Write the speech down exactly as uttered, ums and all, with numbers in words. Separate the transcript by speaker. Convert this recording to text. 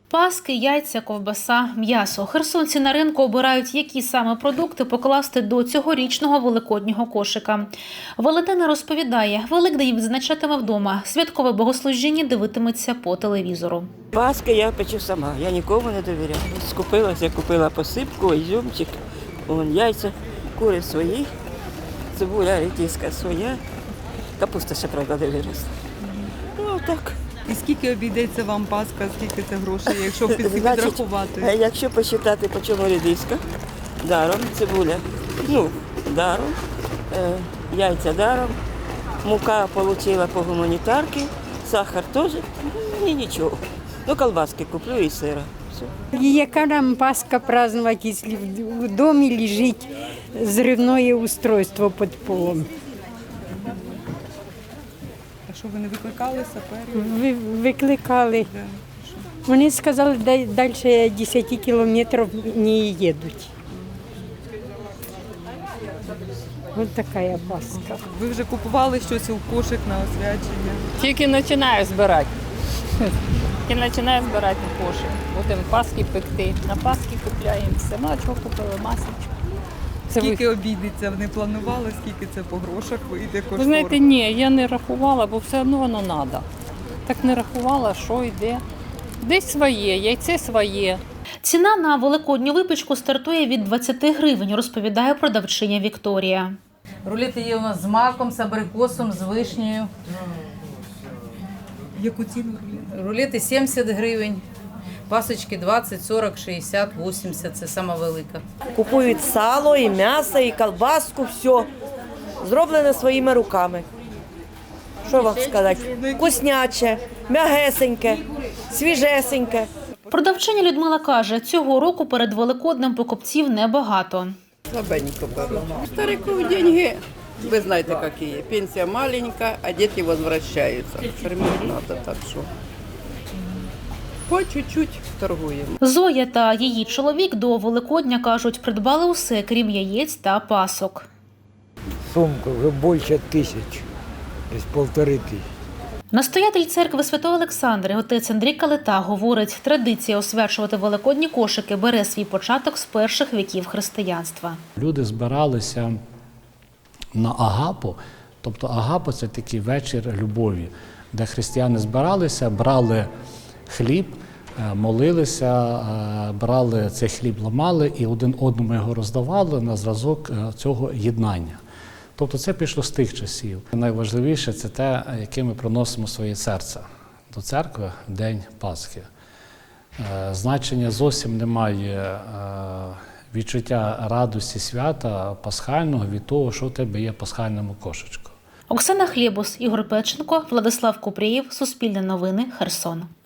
Speaker 1: Паски, яйця, ковбаса, м'ясо. Херсонці на ринку обирають, які саме продукти покласти до цьогорічного великоднього кошика. Валентина розповідає, Великдень відзначатиме вдома. Святкове богослужіння дивитиметься по телевізору.
Speaker 2: Паски я печу сама, я нікому не довіряю. Скупилася, купила посипку, ізюмчик, вон, яйця, кури свої, цибуля редиска своя, капуста ще, правда, не виросла. Ну, так.
Speaker 3: І скільки обійдеться вам Пасха, скільки це грошей, якщо підрахувати?
Speaker 2: Значить, якщо посчитати, по чому редиска, даром, цибуля, ну, даром, е, яйця даром, мука отримала по гуманітарки, сахар теж, ні нічого. Ну, колбаски куплю і сира. Все.
Speaker 4: Яка нам Пасха праздновать, якщо в домі лежить зривне устройство під полом?
Speaker 3: А що, ви не викликали саперів?
Speaker 4: Ви- Викликали.
Speaker 3: Да.
Speaker 4: Вони сказали, що далі десять кілометрів не їдуть. Ось така Пасха.
Speaker 3: Ви вже купували щось у кошик на освячення?
Speaker 5: Тільки починаю збирати. Тільки починаю збирати на кошик. Будемо паски пекти. На паски купляємо все. Ну, а чого купили? Масочку. Це ви...
Speaker 3: Скільки обійдеться? Не планували, скільки це по грошах вийде кошторис?
Speaker 5: ви знаєте, ні, я не рахувала, бо все одно воно треба. Так не рахувала, що йде. Десь своє, яйце своє.
Speaker 1: Ціна на великодню випічку стартує від двадцяти гривень, розповідає продавчиня Вікторія.
Speaker 6: Рулети є у нас з маком, з абрикосом, з вишнею.
Speaker 3: Яку ціну рулет?
Speaker 6: Рулети сімдесят гривень, пасочки двадцять, сорок, шістдесят, вісімдесят – це сама велика.
Speaker 7: Купують сало, і м'ясо, і колбаску, все. Зроблене своїми руками. Що вам сказати? Вкусняче, м'ягесеньке, свіжесеньке.
Speaker 1: Продавчиня Людмила каже, цього року перед Великоднем покупців небагато.
Speaker 8: Слабенько беру. Стариков деньги, вы знаете какие. Пенсия маленькая, а дети возвращаются. Кормить надо, так что по чуть-чуть торгуємо.
Speaker 1: Зоя та її чоловік до Великодня, кажуть, придбали усе, крім яєць та пасок.
Speaker 9: Сумка вже більше тисяч, десь полтори тисячі.
Speaker 1: Настоятель церкви Святого Олександра, отець Андрій Калита, говорить, традиція освячувати великодні кошики бере свій початок з перших віків християнства.
Speaker 10: Люди збиралися на Агапу, тобто Агапа – це такий вечір любові, де християни збиралися, брали хліб, молилися, брали цей хліб, ламали і один одному його роздавали на зразок цього єднання. Тобто це пішло з тих часів. Найважливіше – це те, яке ми приносимо своє серце до церкви в День Пасхи. Значення зовсім немає відчуття радості свята пасхального від того, що у тебе є в пасхальному кошечку.
Speaker 1: Оксана Хлєбус, Ігор Печенко, Владислав Купрієв, Суспільне новини, Херсон.